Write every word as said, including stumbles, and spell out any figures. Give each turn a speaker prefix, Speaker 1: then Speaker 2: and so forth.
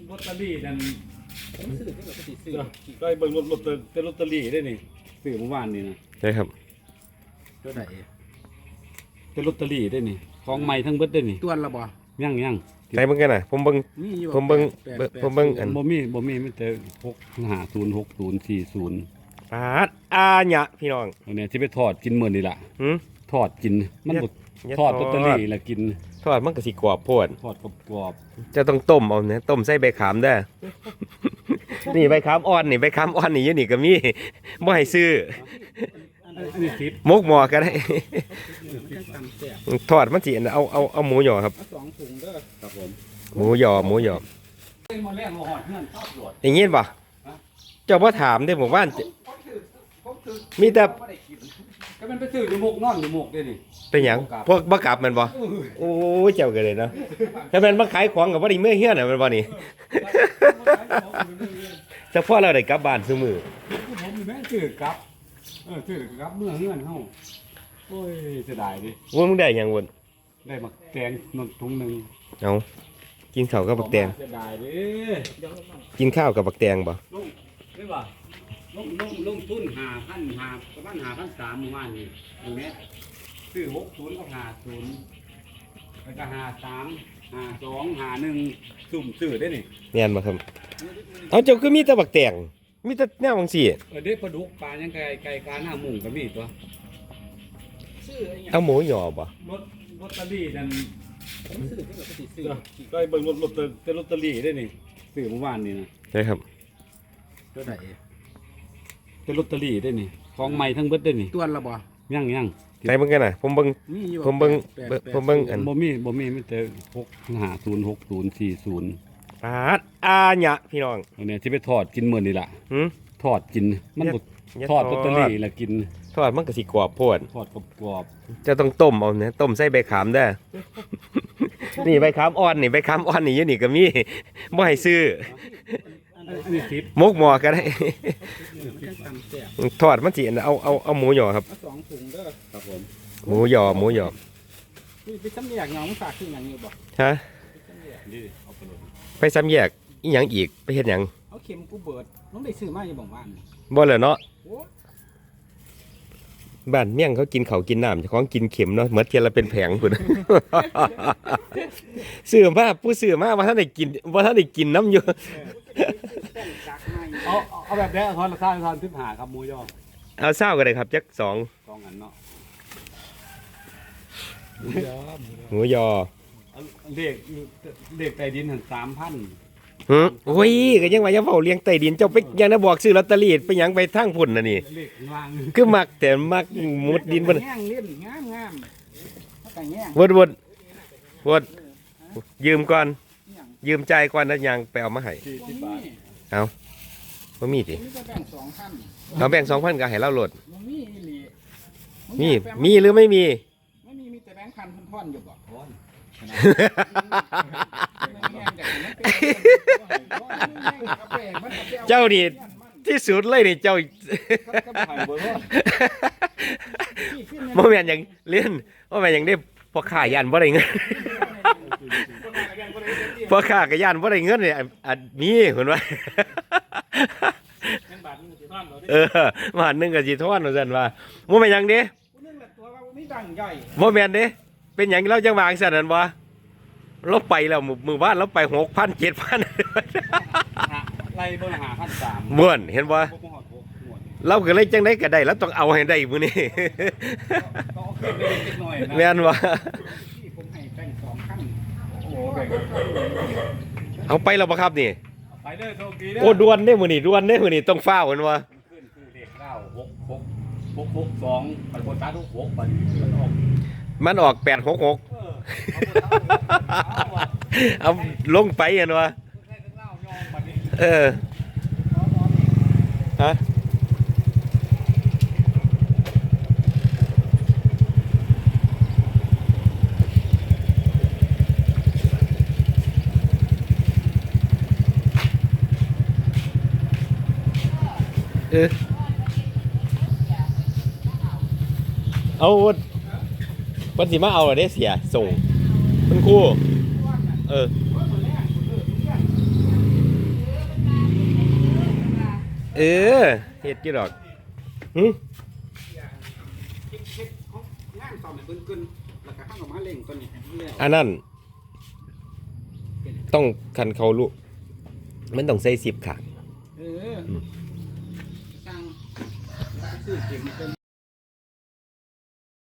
Speaker 1: ลอตเตอรี่นั่นก็เบิ่งรถรถแต่ลอตเตอรี่ได้นี่ซื้อเมื่อวานนี่นะ
Speaker 2: ใช่ครับ
Speaker 3: ตัวไหน
Speaker 1: แต่ลอตเตอรี่ได้นี่ของใหม่ทั้งเบิดได้นี่
Speaker 3: ตัวละบ่
Speaker 1: ยังยัง
Speaker 2: ใช่เบิ่งกันน่ะผมเบิ่งผมเบิ่งผมเบิ่งอัน
Speaker 1: บ่มีบ่มีมีแต่หกห้าศูนย์หกศูนย์สี่ศูนย์
Speaker 2: ปาดอาหยะพี่น้อง
Speaker 1: อันนี้ที่ไปทอดกินมื้อนี่ล่ะ
Speaker 2: หือ
Speaker 1: ทอดกินมันบ่ทอดลอตเตอรี่แล้วกิน
Speaker 2: ทอดมันก็สิกรอบโพด
Speaker 1: ทอดกรอบ
Speaker 2: จะต้องต้มเอาเนี่ยต้มใส่ใบขามเด้อนี่ใบขามอ่อนนี่ใบขามอ่อนนี่อยู่นี่ก็มีบ่ให้ซื้อมกหมอก็ได้ทอดมันสิเอาเอาเอาหมูหยอครับ
Speaker 3: สองถุงเด้อครับผม
Speaker 2: หมูหยอหมูหยออย่างงี้ป่ะเจ้าพ่อถามได้ผมว่ามีแต่
Speaker 1: ก็มันไปซื้ออยู่หมกนอนอยู่หมกได้นี่
Speaker 2: เป็นหยังพวกบักกลับมันบ่โอ้ยเจ้ากันเลยเนาะถ้าเป็นมาขายของกับว่าดีเมื่อเฮี้ยน่ะมันบ่นี่แต่พ่อเราได้กลับบ้านซุมื้อ
Speaker 1: ผมแม่ซื้อกลับเออซื้อกลับเมื่อเฮือนเฮาโอ้ยเสียดายดิ
Speaker 2: ว่ามึงได้หยังวะ
Speaker 1: ได้บักแตงนนถุงนึง
Speaker 2: เอากินข้าวกับบักแตง
Speaker 1: เสียดายดิ
Speaker 2: กินข้าวกับบักแตงบ่
Speaker 1: ลงได้บ่ลงลงลงทุนห้าพันห้าประมาณห้าพันสามประมาณนี้ตรงนี้ซื้อหกศูนย์กับห้าศูนย์แล้วก็ห้าสามห้าสองห้าหนึ่งสุ่มซื้อได้นี่
Speaker 2: แม่นบ่ครับเอาเจ้าคือมีแต่บักแตงมีแต่แนวจังซี่
Speaker 1: เออเด้ปลาดุกปลายังไก่ไก่กาหน้าหมุ่งก็มีตัว
Speaker 2: เอาหมูหยอบ่
Speaker 1: รถลอตเตอรี่นั่นก็เบิ่งรถรถแต่ลอตเตอรี่ได้นี่ซื้อเมื่อวานนี่นะ
Speaker 2: ใช่ครับ
Speaker 3: ตัวไหน
Speaker 1: แต่ลอตเตอรี่ได้นี่ของใหม่ทั้งเบิดได้นี่
Speaker 3: ตัวละบ่
Speaker 1: ยังยัง
Speaker 2: ใช่เบิ่งกันน่ะผมเบิ่งผมเบิ่งผมเบิ่งอัน
Speaker 1: บ่มีบ่มีมีแต่หกห้าศูนย์หกศูนย์สี่ศูนย์
Speaker 2: ปาดอาหยะพี่น้อง
Speaker 1: อันนี้ที่ไปทอดกินมื้อนี่ล่ะ
Speaker 2: หือ
Speaker 1: ทอดกินมันบ่ทอดลอตเตอรี่แล้วกิน
Speaker 2: ทอดมันก็สิกรอบโพด
Speaker 1: ทอดกรอบ
Speaker 2: จะต้องต้มเอาเนี่ยต้มใส่ใบขามเด้อนี่ใบขามอ่อนนี่ใบขามอ่อนนี่อยู่นี่ก็มีบ่ให้ซื้อมกหมอก็ได้ทอดมันสิเอาเอาเอาหมูหยอครับ
Speaker 3: สองถุงเด้อครับผม
Speaker 2: หมูหยอหมูหยอ
Speaker 3: ไปซ้ำแยกเงาฝากที่หยังอยู่บ่
Speaker 2: ฮะไปซ้ำแยกอีหยังอีกไปเฮ็ดหยัง
Speaker 3: เอาเข็มกูเบิดน้องได้ซื้อมาอยู่บ่บ้าน
Speaker 2: บ่เหรอเนาะบ้านเมี่ยงเขากินเขากินน้ำเจ้าของกินเข็มเนาะเหมือนเทียนละเป็นแผงพุ่นซื้อมาผู้ซื้อมาว่าท่านได้กินว่าท่านได้กินน้ำอยู่
Speaker 1: เอาเอาแบบนี้ทอนราคาทอนสิบห้าครับหมูยอ
Speaker 2: เอาเศร้ากันเลยครับจักสอง
Speaker 1: สองอันเนาะ
Speaker 2: หมูยอ
Speaker 1: เด็กเด็กใต้ดินถึงสามพัน
Speaker 2: ฮึโอ้ยก็ยังว่าจะเฝ้าเลี้ยงใต้ดินเจ้าไปยังนะบอกซื้อลอตเตอรี่ไปยังไปทางพุ่นน่ะนี่คือมักแต่มักมุดดินบ่
Speaker 3: แง่งเล่นงามงาม
Speaker 2: วดวดวดยืมก่อนยืมใจก่อนแล้วยังไปเอามาให้เอาบ่มีติเราแบ่งสองพันก็ให้เราโหลดมีมีหรือไม่มี
Speaker 3: ไม่มีมีแต่แบงค์พันท่อนอยู่บ่
Speaker 2: เจ้านี่ที่สุดเลยนี่เจ้าโมเมนต์อย่างเล่นโมเมนต์อย่างได้พอข่ายันบ่ได้เงินพอข่ากับยันบ่ได้เงินเนี่ยอันมีเห็นไหมเออมาหนึ่งกับจีทอนเหมือนกันว่าโมเมนต์อย่างนี้โมเมนต์นี้เป็นอย่างเราจังหวะสั่นนั่นวะเราไปแล้วมือบ้านเราไปหกพันเจ็ดพัน
Speaker 1: ไล่เบอร์หาพันสาม
Speaker 2: ม้วนเห็นว่าเราก็เลยจังได้ก็ได้แล้วต้องเอาให้ได้มือนี่แม่นวะเอาไปแล้วปะครับนี่โอ้ดวนได้มือนี่ดวนได้มือนี่ต้องเฝ้าเห็นวะมันออกแปดหกหกเอาลงไปเห็นวะเออฮะเออเอาวันสิมาเอาอะไรเสียส่งคุณครูเออเออเฮ็ดกี่ดอกหึ
Speaker 3: เฮ็ดเฮ็ดเอางานต่อให้เพิ่นเกินแล้วก็ข้างออกมาเล่งตัวนี้ให้มันแล้ว
Speaker 2: อันนั้นต้องคันเขาลูกมันต้องใส่สิบขา
Speaker 3: เออสร้างซื้อเข็มเพิ่น